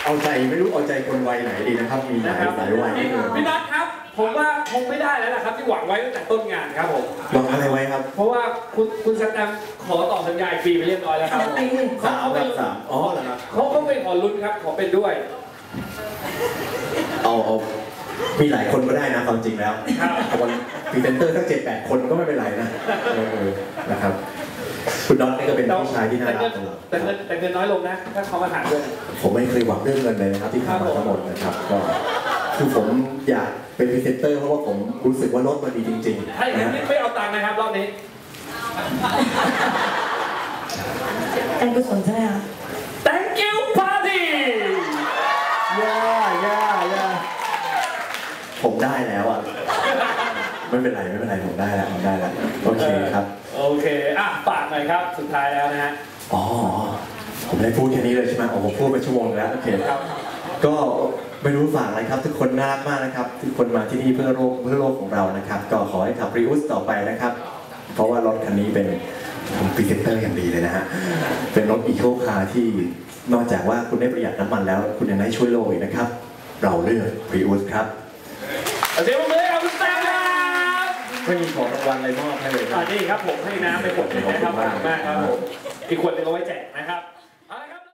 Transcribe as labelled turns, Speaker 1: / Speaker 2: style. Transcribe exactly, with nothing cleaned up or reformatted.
Speaker 1: เอาใจไม่รู้เอาใจคนวัยไหนดีนะครับมีหลายหลายวัย
Speaker 2: พี่นัทครับผมว่าคงไม่ได้แล้วนะครับที่หวังไว้ตั้งแต่ต้นงานครับผม
Speaker 1: หวังอะไรไว้ครับ
Speaker 2: เพราะว่าคุณคุณสแตมขอต่อสัญญาฟรีไปเรียบร้อยแล้วครับ
Speaker 1: สามครับสามอ๋อเหรอครับ
Speaker 2: เขาเขาเป็นขอลุ้นครับขอเป็นด้วย
Speaker 1: เอาเอามีหลายคนก็ได้นะความจริงแล้วคนพรีเซนเตอร์ทั้งเจ็ดแปดคนก็ไม่เป็นไรนะนะครับคุณน็อตนี่ก็เป็นผู้ชายที่น่ารัก
Speaker 2: แต่เงินแต่เงินน้อยลงนะถ้าเขามาถามด้วย
Speaker 1: ผมไม่เคยหวังเรื่องเงินเลยนะครับที่ทำมาทั้งหมดนะครับก็คือผมอยากเป็นพรีเซนเตอร์เพราะว่าผมรู้สึกว่ารถมันดีจริง
Speaker 2: ๆให้งั้นไม่เอาตังค์นะครับรอบนี้
Speaker 3: การกุศลใช่ไหมคะ
Speaker 2: Thank you party
Speaker 1: ย่าย่าย่าผมได้แล้วอ่ะไม่เป็นไรไม่เป็นไรผมได้แล้วผมได้แล้วโอเคครับ
Speaker 2: โอเคอ่ะฝากหน่อยครับสุดท้ายแล้วนะฮะ
Speaker 1: อ๋อผมได้พูดแค่นี้เลยใช่ไหมโอ้ผมพูดไปชั่วโมงแล้วโอเคครับก็ไม่รู้ฝากอะไรครับทุกคนน่ารักมากนะครับทุกคนมาที่นี่เพื่อโลกเพื่อโลกของเรานะครับก็ขอให้ขับริอุสต่อไปนะครับเพราะว่ารถคันนี้เป็นผมพรีเซนเตอร์อย่างดีเลยนะฮะเป็นรถอีโคคาร์ที่นอกจากว่าคุณได้ประหยัดน้ำมันแล้วคุณยังได้ช่วยโลกอีกนะครับเราเลือกริอุสครับ
Speaker 2: เดี๋ยวมือเอาคุณแซมครับ
Speaker 1: ไม่มีของรางวัลอะไรมอบให้เลย
Speaker 2: ครับนี่ครับผมให้น้ำไปขวดนึงนะครับขอบคุณมากครับผมอีกขวดนึงเอาไว้แจกนะครับ